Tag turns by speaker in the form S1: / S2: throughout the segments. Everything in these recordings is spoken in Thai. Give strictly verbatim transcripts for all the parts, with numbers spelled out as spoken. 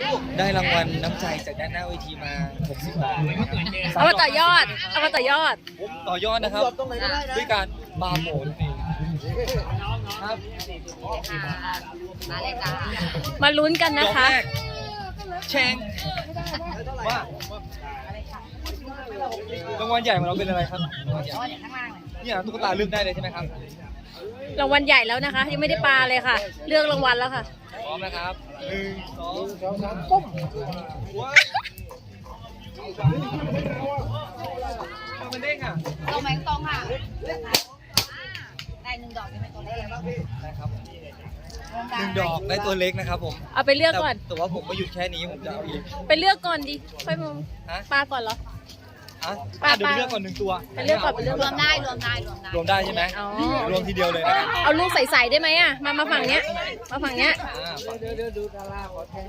S1: ได้รางวัลน้ำใจจากด้านหน้าเวทีมาหกสิบบาทนะครับ
S2: เอามาต่อยอด เอามาต่อยอด
S1: ต่อยอดนะครับด้วยการบาร์โหมดครับ
S3: มาเลยจ้า
S2: มาลุ้นกัน
S1: ด
S2: นะ
S1: อก
S2: คะ
S1: แรกแชงว่ารางวัลใหญ่ของเราเป็นอะไรครับรางวัลใหญ่
S3: อ๋อเดี๋ยวข้างล่างเลย
S1: เนี่ยตุ๊กตาเลือกได้เลยใช่ไหมครับ
S2: รางวัลใหญ่แล้วนะคะ ยังไม่ได้ปลาเลยค่ะ เลือกรางวัลแล้วค่ะ
S1: พร้อมนะครับหนึ่งสองสามปุ้มว้าวมันเด้งอ่ะ
S3: ตรงไหมตรงค่ะได้หนึ่งดอกยังไม่ตัวเล็ก
S1: นะครับหนึ่งดอกได้ตัวเล็กนะครับผม
S2: เอาไปเลือกก่อน
S1: แต่แต่ว่าผมไม่หยุดแค่นี้ผมจะเอาอีก
S2: ไปเลือกก่อนดิค่อยมอง
S1: ฮะ
S2: ปลาก่อนเหรอ
S1: อ่ะ
S2: ปลา
S1: อ่ะเดี๋ยว
S2: ปลา
S1: เลือกก่อนหนึ่งตัว
S2: ไปเลือกก่อนไปเลือก
S3: ร
S2: ก่
S3: ว
S2: อน
S3: มได้รวมได้รวมได้
S1: รวมได้ใช่ไหม
S2: อ๋อ
S1: รวมทีเดียวเลยนะครับ
S2: เอาลูกใสๆได้ไหมอ่ะ มามาฝั่งเนี้ย มาฝั่งเนี้ย
S1: อ่าเดี๋ยวเดี๋ยวดูดาราขอแทง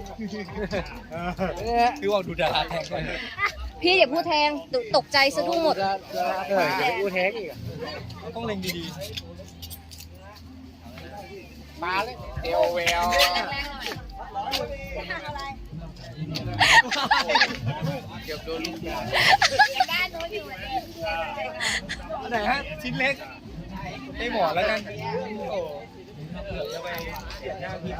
S1: พี่ว่าดูดาราแทงก่อน
S2: พี่อย่าพูดแทงตกตกใจสะดุ้งหมด
S1: พูดแทงอีกต้องเล็งดีๆปลาเลยเอวแวว
S3: แรงๆหน่อย
S1: เกือบโดนลูกยา
S3: ด้านโน้นอยู่
S1: อันไหนฮะชิ้นเล็กให้หมอแล้วกันโอ้เดี๋ยวจะไปเสียหน้าพี่เขา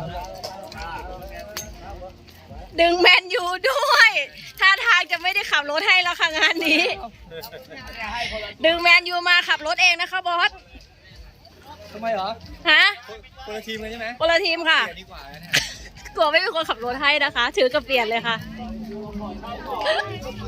S2: ดึงแมนยูด้วยท่าทางจะไม่ได้ขับรถให้แล้วค่ะงานนี้ ดึงแมนยูมาขับรถเองนะคะบอส
S1: ทำไมเหรอ
S2: ฮะ
S1: คนละทีมกันใช่ไหม
S2: คนละทีมค่ะ
S1: เปลี่ยนดีกว่านะเนี่ย
S2: กลัวไม่มีคนขับรถให้นะคะ ถือกระเปลี่ยนเลยค่ะ